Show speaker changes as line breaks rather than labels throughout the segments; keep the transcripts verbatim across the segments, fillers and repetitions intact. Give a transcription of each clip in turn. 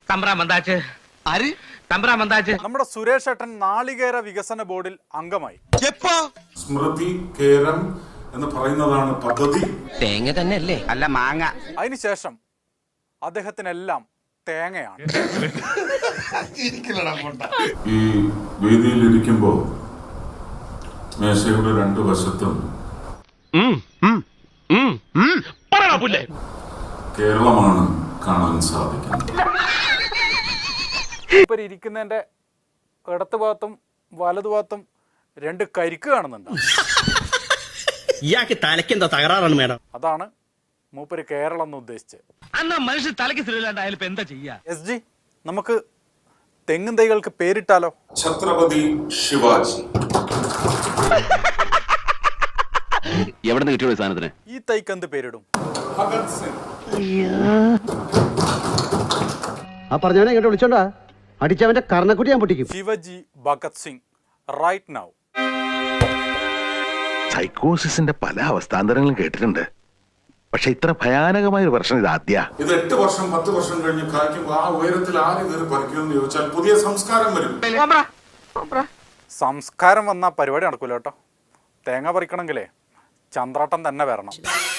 നമ്മുടെ സുരേഷ് ഏട്ടൻ നാളികേര വികസന ബോർഡിൽ അംഗമായി.
സ്മൃതി കേരം എന്ന് പറയുന്നതാണ് പദ്ധതി.
തേങ്ങ തന്നെ അല്ലേ? അല്ല, മാങ്ങ.
അതിനുശേഷം അദ്ദേഹത്തിനെല്ലാം തേങ്ങയാണ്.
ഈ വേദിയിൽ ഇരിക്കുമ്പോ മേശയുടെ രണ്ടു വശത്തും കേരളമാണ് കാണാൻ സാധിക്കുന്നത്.
ഇപ്പൊ ഇരിക്കുന്നതിന്റെ ഇടത്ത് ഭാഗത്തും വലതുഭാഗത്തും രണ്ട് കരിക്ക് കാണുന്നുണ്ട്.
ഇയാൾക്ക് തലയ്ക്ക് എന്താ തകരാറാണ് മേഡം?
അതാണ് മൂപ്പര് കേരളം എന്ന് ഉദ്ദേശിച്ചത്.
മനുഷ്യ തലയ്ക്ക് സ്ഥിരമില്ലാണ്ടായാലും എന്താ ചെയ്യാ?
എസ് ജി, നമുക്ക് തെങ്ങും തൈകൾക്ക് പേരിട്ടാലോ?
ഛത്രപതി ശിവാജി.
എവിടെ നിന്ന് കിട്ടിയോ സാധനത്തിന്?
ഈ തൈക്ക് എന്ത് പേരിടും?
ഭഗത് സിംഗ്.
ആ പറഞ്ഞവനെ ഇങ്ങോട്ട് വിളിച്ചോണ്ടാ അടിച്ചവന്റെ കർണക്കുട്ടി ഞാൻ പൊട്ടിക്കും.
Shivaji Bhagat Singh right now.
സൈക്കോസിന്റെ പല അവസ്ഥാന്തരങ്ങളും കേട്ടിട്ടുണ്ട്, പക്ഷെ ഇത്ര ഭയാനകമായ ഒരു പ്രശ്നം ഇത് ആദ്യ.
ഇത് എട്ട് വർഷം പത്ത് വർഷം കഴിഞ്ഞ് കായ്ക്കുമ്പോൾ ആ ഉയരത്തിൽ ആര് കയറി പറിക്കുമെന്ന് ചോദിച്ചാൽ പുതിയ സംസ്കാരം വരും.
സംസ്കാരം വന്ന പരിപാടി നടക്കൂല കേട്ടോ. തേങ്ങ പറിക്കണമെങ്കിലേ ചന്ദ്രാട്ടം തന്നെ വരണം.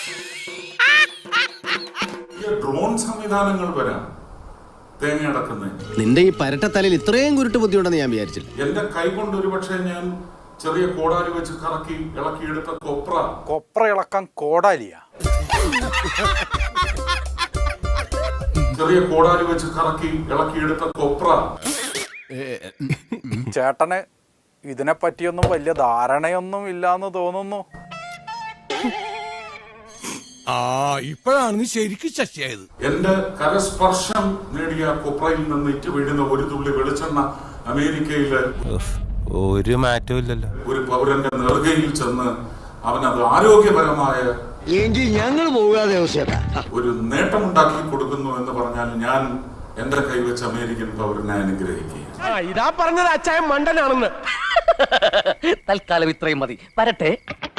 ഡ്രോൺ സംവിധാനങ്ങൾ വരാം തേങ്ങ അടക്കുന്നത്.
നിന്റെ ഈ പരട്ടത്തലയിൽ ഇത്രയും കുരുട്ട് ബുദ്ധിയുണ്ടെന്ന് ഞാൻ വിചാരിച്ചില്ല.
എന്റെ കൈ കൊണ്ട് ഒരു പക്ഷേ ഞാൻ ചെറിയ കോടാലി വെച്ച് കറക്കി ഇളക്കിയെടുത്ത കൊപ്ര.
കൊപ്ര ഇളക്കാൻ കോടാലിയ?
ചെറിയ കോടാലി വെച്ച് കറക്കി ഇളക്കിയെടുത്ത കൊപ്ര.
ചേട്ടന് ഇതിനെ പറ്റിയൊന്നും വലിയ ധാരണയൊന്നും ഇല്ലാന്ന് തോന്നുന്നു.
ആ ഇപ്പോഴാണ് ശരിക്കും ശശിയായത്.
എന്റെ കരസ്പർശം നേടിയ കൊപ്രയിൽ നിന്ന് ഇറ്റ് വീഴുന്ന ഒരു തുള്ളി വെളിച്ചെണ്ണ അമേരിക്കയിലെ
ഒരു മാറ്റവും ഇല്ലല്ലോ.
ഒരു പൗരന്റെ നെറുകയിൽ ചെന്ന് അവനത് ആരോഗ്യപരമായ
ഞങ്ങൾ പോകാതെ
ഒരു നേട്ടമുണ്ടാക്കി കൊടുക്കുന്നു എന്ന് പറഞ്ഞാൽ ഞാൻ എന്റെ കൈവച്ച് അമേരിക്കൻ പൗരനെ അനുഗ്രഹിക്കുക.
ഇതാ പറഞ്ഞത് അച്ചായ മണ്ടനാണെന്ന്. തൽക്കാലം ഇത്രയും മതി. വരട്ടെ.